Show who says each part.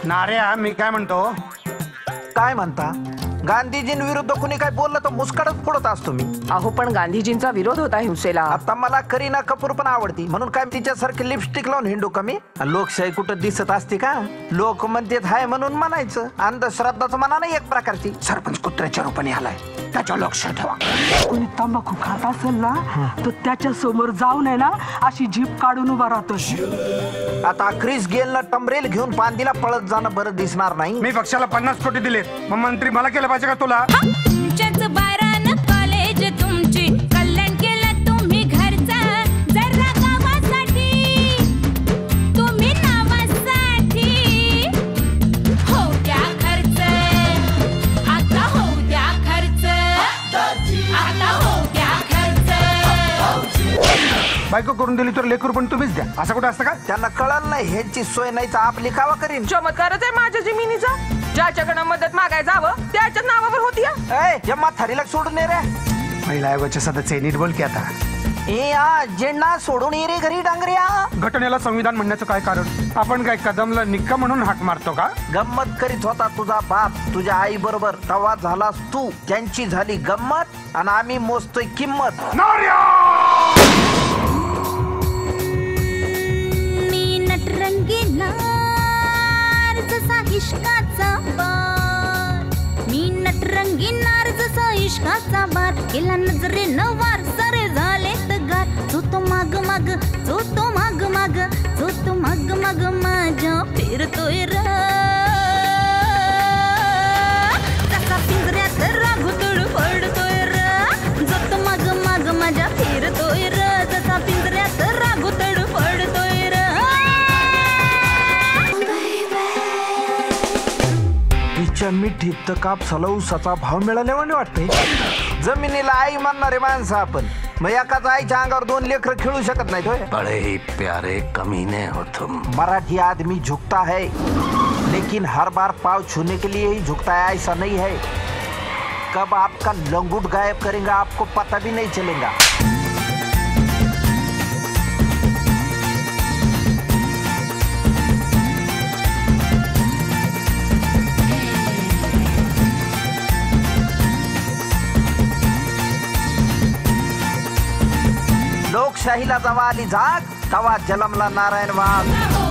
Speaker 1: नाऱ्या मी काय म्हणतो.
Speaker 2: काय म्हणता? गांधीजींविरुद्ध कुणी काय बोललं तर मुस्कडच फोडत असतो मी.
Speaker 3: अहो पण गांधीजींचा विरोध होता हिंसेला.
Speaker 2: आता मला करीना कपूर पण आवडती म्हणून काय तिच्यासारखी लिपस्टिक लावून हिंडू कमी. लोकशाही कुठं दिसत असते का? लोक म्हणतात हाय म्हणून म्हणायचं. अंधश्रद्धाच म्हणा नाही एक प्रकारची. सरपंच कुत्र्याच्या रूपाने आलाय, त्याच्या लक्ष ठेवा.
Speaker 4: कोणी तंबाखू खात असेल ना तर त्याच्या समोर जाऊन आहे ना अशी जीभ काढून उभा राहतो.
Speaker 2: आता क्रिस गेलनं टमरेल घेऊन पांदीला पळत जाणं बरं दिसणार नाही.
Speaker 1: मी पक्षाला 50 कोटी दिले, मग मंत्री मला केलं पाहिजे का तुला?
Speaker 5: तुमच्याच बारानं कॉलेज तुमची कल्याण केलं तुम्ही घरचा. जरा गावासाठी तुम्ही नावासाठी हो द्या खर्च. आता हो द्या खर्च. आता हो द्या खर्च.
Speaker 1: बायको करून दिली तर लेकरू पण तुम्हीच द्या, असं कुठं असतं का?
Speaker 2: त्यांना कळलं नाही ह्याची सोय नाही तर आपली कावा करीन.
Speaker 3: चमत्कारच आहे माझ्या जमिनीचा. ज्याच्याकडे मदत मागाय जावं त्याच्या नावावर होती.
Speaker 2: या म्हातारीला सोडून ये रे.
Speaker 1: महिला आयोगाचे सदस्य नीट बोल की आता.
Speaker 2: जेंडा सोडून ये रे घरी डांगऱ्या.
Speaker 1: घटनेला संविधान म्हणण्याचं काय कारण? आपण काय कदमला निक्का म्हणून हाक मारतो का?
Speaker 2: गंमत करीत होता तुझा बाप तुझ्या आई बरोबर, तवा झालास तू. त्यांची झाली गंमत आणि आम्ही मोजतोय किंमत.
Speaker 5: मी नटरंगी नार जसा इश्काचा बार. मी नटरंगी नार जसा इश्काचा बार. केला नजरेनं वार सारे झाले तगार. जो तो माग माग, जो तो माग माग, जो तो माग माग माझ्या फिरतोय र. जसा पिंजऱ्यात राघुतळ पडतोय र. जो तो माग माग माझ्या फिरतोय र. जसा पिंजऱ्यात राघुतळ पडतोय र.
Speaker 2: तिच्या मिठीत तर कापसाला ऊसाचा भाव मिळाल्यावाने वाटतंय. जमिनीला आई मानणारे माणसं आपण, मग एकाच आईच्या अंगावर 2 लेकरं खेळू शकत नाही.
Speaker 6: बड़े ही प्यारे कमीने हो तुम.
Speaker 2: मराठी आदमी झुकता है लेकिन हर बार पाँव छूने के लिए ही झुकता है ऐसा नहीं है. कब आपका लंगूट गायब करेंगे आपको पता भी नहीं चलेगा. लोकशाहीला जवा आली जाग तवा जलमला नारायण वाघ.